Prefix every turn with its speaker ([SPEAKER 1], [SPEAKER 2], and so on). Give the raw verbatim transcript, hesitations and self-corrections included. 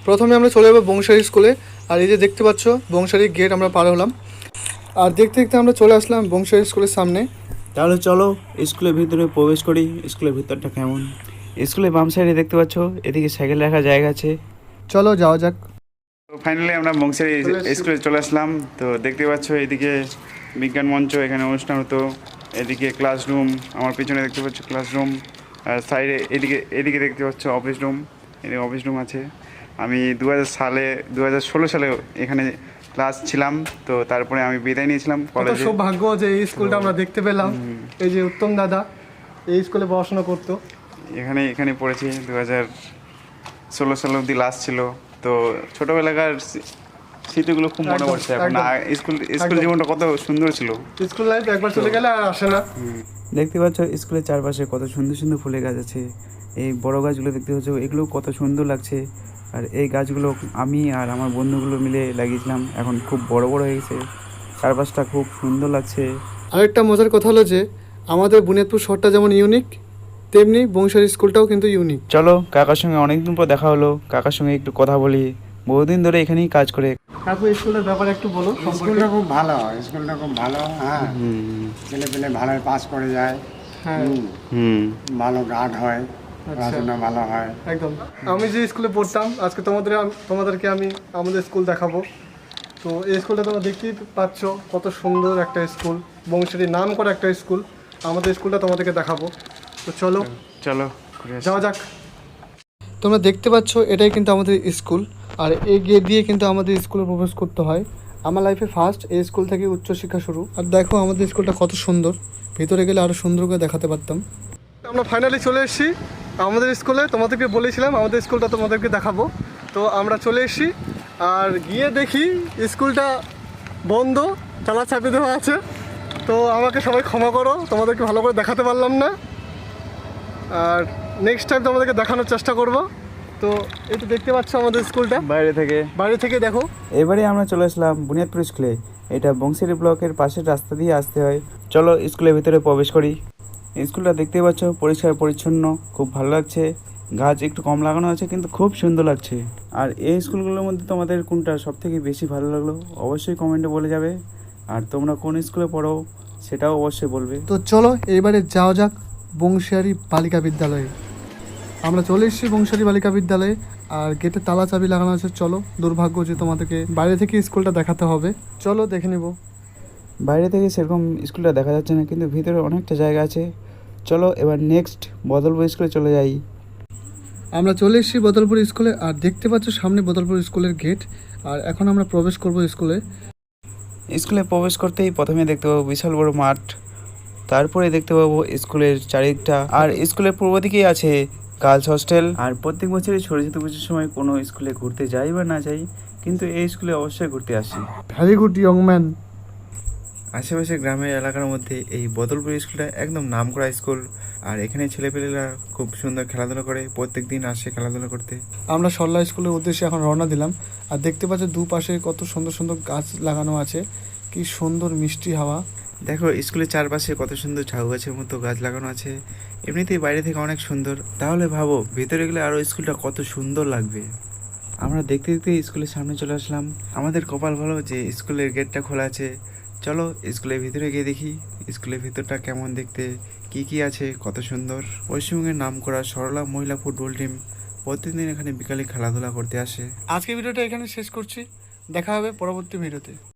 [SPEAKER 1] প্রথমে আমরা চলে যাবো বংশারী স্কুলে। আর এই যে দেখতে পাচ্ছ বংশারী গেট আমরা পার হলাম, আর দেখতে দেখতে আমরা চলে আসলাম বংশারী স্কুলের সামনে।
[SPEAKER 2] তাহলে চলো স্কুলের ভিতরে প্রবেশ করি। স্কুলের ভিতরটা কেমন? স্কুলের বাম সাইডে দেখতে পাচ্ছ এদিকে সাইকেল রাখার জায়গা আছে।
[SPEAKER 1] চলো যাওয়া যাক।
[SPEAKER 3] তো ফাইনালি আমরা বংশারী স্কুলে চলে আসলাম। তো দেখতে পাচ্ছ এদিকে বিজ্ঞান মঞ্চ, এখানে অনুষ্ঠান হতো। এদিকে ক্লাসরুম, আমার পিছনে দেখতে পাচ্ছ ক্লাসরুম, আর সাইডে এদিকে এদিকে দেখতে পাচ্ছ অফিস রুম। এদিকে অফিস রুম আছে। আমি দু হাজার সালে দু হাজার ষোলো সালে এখানে ক্লাস ছিলাম। তো তারপরে আমি বিদায় নিয়েছিলাম কলেজে।
[SPEAKER 1] সৌভাগ্য যে এই স্কুলটা আমরা দেখতে পেলাম। এই যে উত্তম দাদা এই স্কুলে পড়াশোনা করতো,
[SPEAKER 3] এখানে এখানে পড়েছি দু হাজার ষোলো সাল অবধি লাস্ট ছিল। তো ছোটোবেলাকার স্মৃতিগুলো খুব মনে পড়ছে এখন। স্কুল স্কুল জীবনটা কত সুন্দর ছিল।
[SPEAKER 1] স্কুল লাইফ একবার চলে গেলে আর আসে না।
[SPEAKER 2] দেখতে পাচ্ছ স্কুলের চারপাশে কত সুন্দর সুন্দর ফুলের গাছ আছে। এই বড় গাছগুলো দেখতে পাচ্ছ, এগুলো কত সুন্দর লাগছে। আর এই গাছগুলো আমি আর আমার বন্ধুগুলো মিলে লাগিয়েছিলাম, এখন খুব বড় বড় হয়ে গেছে। চারপাশটা খুব সুন্দর লাগছে।
[SPEAKER 1] আরেকটা মজার কথা হলো যে আমাদের বুনিয়াদপুর শহরটা যেমন ইউনিক, তেমনি বংশারী স্কুলটাও কিন্তু ইউনিক।
[SPEAKER 2] চলো কাকার সঙ্গে অনেকদিন পর দেখা হলো, কাকার সঙ্গে একটু কথা বলি। বহুদিন ধরে এখানেই কাজ করে।
[SPEAKER 1] কাকু স্কুলের ব্যাপারে একটু বলো।
[SPEAKER 4] স্কুলটা খুব ভালো, স্কুলটা খুব ভালো। হ্যাঁ, ছেলে পেলে ভালো পাস করে যায়।
[SPEAKER 1] হ্যাঁ,
[SPEAKER 2] হুম
[SPEAKER 4] ভালো গার্ড হয়, পড়াশোনা ভালো হয়।
[SPEAKER 1] একদম। আমি যে স্কুলে পড়তাম, আজকে তোমাদের তোমাদেরকে আমি আমাদের স্কুল দেখাবো। তো এই স্কুলটা তোমরা দেখতেই পাচ্ছ কত সুন্দর একটা স্কুল, বংশারী নাম করা একটা স্কুল। আমাদের স্কুলটা তোমাদেরকে দেখাবো। তো চলো
[SPEAKER 3] চলো
[SPEAKER 1] যাওয়া যাক। তোমরা দেখতে পাচ্ছ এটাই কিন্তু আমাদের স্কুল, আর এই গেট দিয়ে কিন্তু আমাদের স্কুলে প্রবেশ করতে হয়। আমার লাইফে ফার্স্ট এই স্কুল থেকে উচ্চশিক্ষা শুরু। আর দেখো আমাদের স্কুলটা কত সুন্দর, ভিতরে গেলে আরও সুন্দর করে দেখাতে পারতাম। আমরা ফাইনালি চলে এসেছি আমাদের স্কুলে। তোমাদেরকে বলেছিলাম আমাদের স্কুলটা তোমাদেরকে দেখাবো। তো আমরা চলে এসেছি, আর গিয়ে দেখি স্কুলটা বন্ধ, তালা চাপি দেওয়া আছে। তো আমাকে সবাই ক্ষমা করো, তোমাদেরকে ভালো করে দেখাতে পারলাম না। আর নেক্সট টাইম তোমাদেরকে দেখানোর চেষ্টা করব। তো এই তো দেখতে পাচ্ছ আমাদের স্কুলটা
[SPEAKER 2] বাইরে থেকে
[SPEAKER 1] বাইরে থেকে দেখো।
[SPEAKER 2] এবারে আমরা চলে আসলাম বুনিয়াদপুর স্কুলে। এটা বংশারী ব্লকের পাশের রাস্তা দিয়ে আসতে হয়। চলো স্কুলের ভিতরে প্রবেশ করি। স্কুলটা দেখতে পাচ্ছ পরিষ্কার পরিচ্ছন্ন, খুব ভালো লাগছে। গাছ একটু কম লাগানো আছে কিন্তু খুব সুন্দর লাগছে। আর এই স্কুলগুলোর মধ্যে তোমাদের কোনটা সব থেকে বেশি ভালো লাগলো অবশ্যই কমেন্টে বলে যাবে। আর তোমরা কোন স্কুলে পড়ো সেটাও অবশ্যই বলবে।
[SPEAKER 1] তো চলো এবারে যাওয়া যাক বংশিয়ারি বালিকা বিদ্যালয়ে। আমরা চলে এসেছি বংশিয়ারি বালিকা বিদ্যালয়ে, আর গেটে তালা চাবি লাগানো আছে। চলো, দুর্ভাগ্য যে তোমাদেরকে বাইরে থেকে স্কুলটা দেখাতে হবে। চলো দেখে নিব।
[SPEAKER 2] বাইরে থেকে সেরকম স্কুলটা দেখা যাচ্ছে না, কিন্তু ভিতরে অনেকটা জায়গা আছে। চলো এবার নেক্সট বদলপুর স্কুলে চলে যাই।
[SPEAKER 1] আমরা চলে এসেছি বদলপুর স্কুলে, আর দেখতে পাচ্ছ সামনে বদলপুর স্কুলের গেট। আর এখন আমরা প্রবেশ করব স্কুলে।
[SPEAKER 2] স্কুলে প্রবেশ করতেই প্রথমে দেখতে পাবো বিশাল বড় মাঠ, তারপরে দেখতে পাবো স্কুলের চারিদিকটা। আর স্কুলের পূর্ব দিকেই আছে গার্লস হস্টেল। আর প্রত্যেক বছরই সরস্বতী পুজোর সময় কোনো স্কুলে ঘুরতে যাই বা না যাই, কিন্তু এই স্কুলে অবশ্যই ঘুরতে আসি।
[SPEAKER 1] Very good young man.
[SPEAKER 2] আশেপাশে গ্রামের এলাকার মধ্যে এই বদলপুর স্কুলটা একদম নামকরা স্কুল। আর এখানে ছেলেপেলেরা খুব সুন্দর খেলাধুলা করে, প্রত্যেক দিন আসে খেলাধুলা করতে।
[SPEAKER 1] আমরা সরলা স্কুলের উদ্দেশ্যে এখন রওনা দিলাম। আর দেখতে পাচ্ছ দুপাশে কত সুন্দর সুন্দর গাছ লাগানো আছে, কি সুন্দর মিষ্টি হাওয়া।
[SPEAKER 2] দেখো স্কুলের চারপাশে কত সুন্দর ঝাউ গাছের মতো গাছ লাগানো আছে। এমনিতেই বাইরে থেকে অনেক সুন্দর, তাহলে ভাবো ভিতরে গেলে আরও স্কুলটা কত সুন্দর লাগবে। আমরা দেখতে দেখতে স্কুলের সামনে চলে আসলাম। আমাদের কপাল ভালো যে স্কুলের গেটটা খোলা আছে। চলো স্কুলের ভিতরে গিয়ে দেখি স্কুলের ভিতরটা কেমন দেখতে, কি কি আছে, কত সুন্দর। পশ্চিমবঙ্গের নাম করা সরলা মহিলা ফুটবল টিম প্রতিদিন এখানে বিকালে খেলাধুলা করতে আসে।
[SPEAKER 1] আজকে ভিডিওটা এখানে শেষ করছি, দেখা হবে পরবর্তী ভিডিওতে।